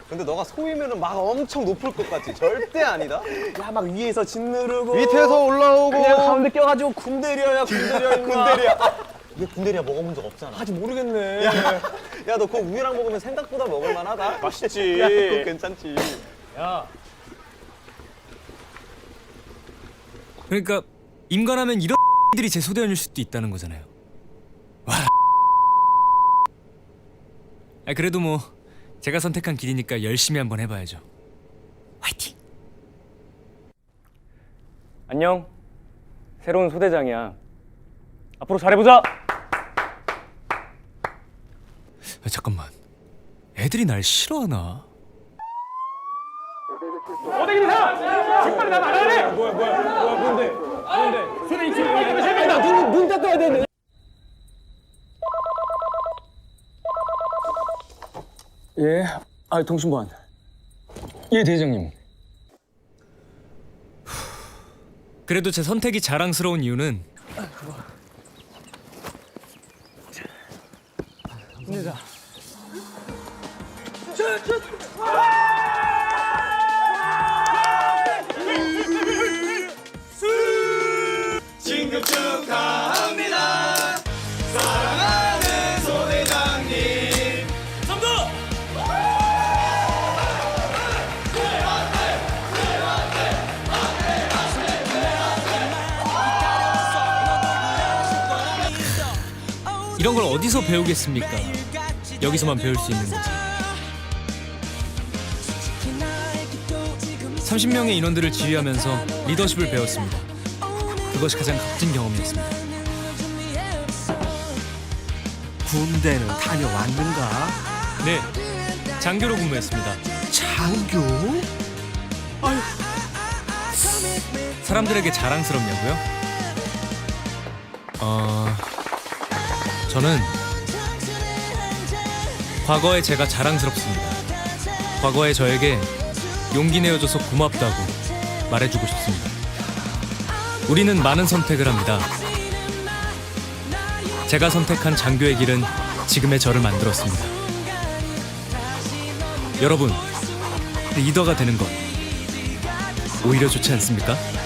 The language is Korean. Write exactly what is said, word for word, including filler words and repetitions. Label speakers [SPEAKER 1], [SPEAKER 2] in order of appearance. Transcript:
[SPEAKER 1] 근데 너가 소위면은 막 엄청 높을 것 같지? 절대 아니다.
[SPEAKER 2] 야, 막 위에서 짓누르고
[SPEAKER 1] 밑에서 올라오고
[SPEAKER 2] 그냥 가운데 껴가지고 군대리아야 군대리아 임마.
[SPEAKER 1] 군대리아. 얘 군대리아 먹어본 적 없잖아.
[SPEAKER 2] 아직 모르겠네.
[SPEAKER 1] 야, 야, 너 그거 우유랑 먹으면 생각보다 먹을만하다.
[SPEAKER 2] 맛있지.
[SPEAKER 1] 야, 그거 괜찮지.
[SPEAKER 2] 야,
[SPEAKER 3] 그러니까 임관하면 이런 들이 제 소대원일 수도 있다는 거잖아요. 와. 아, 그래도 뭐 제가 선택한 길이니까 열심히 한번 해봐야죠. 화이팅!
[SPEAKER 2] 안녕. 새로운 소대장이야. 앞으로 잘해보자.
[SPEAKER 3] 아, 잠깐만. 애들이 날 싫어하나?
[SPEAKER 2] 어디 있는 사람? 직발이 나안 하네. 뭐야, 뭐야, 뭐야, 뭔데? 뭔데? 소대 이층 여기 세명이다. 눈, 눈 닦아야 되네. 예, 아, 통신관. 예, 대장님.
[SPEAKER 3] 그래도 제 선택이 자랑스러운 이유는
[SPEAKER 2] 힘내자.
[SPEAKER 1] 진급 축하합니다. 사랑하는 소대장님.
[SPEAKER 3] 선도! 이런 걸 어디서 배우겠습니까? 여기서만 배울 수 있는 거지. 삼십 명의 인원들을 지휘하면서 리더십을 배웠습니다. 그것이 가장 값진 경험이었습니다.
[SPEAKER 4] 군대는 다녀왔는가?
[SPEAKER 3] 네, 장교로 근무했습니다.
[SPEAKER 4] 장교?
[SPEAKER 3] 사람들에게 자랑스럽냐고요? 어... 저는 과거의 제가 자랑스럽습니다. 과거의 저에게 용기 내어줘서 고맙다고 말해주고 싶습니다. 우리는 많은 선택을 합니다. 제가 선택한 장교의 길은 지금의 저를 만들었습니다. 여러분, 리더가 되는 것 오히려 좋지 않습니까?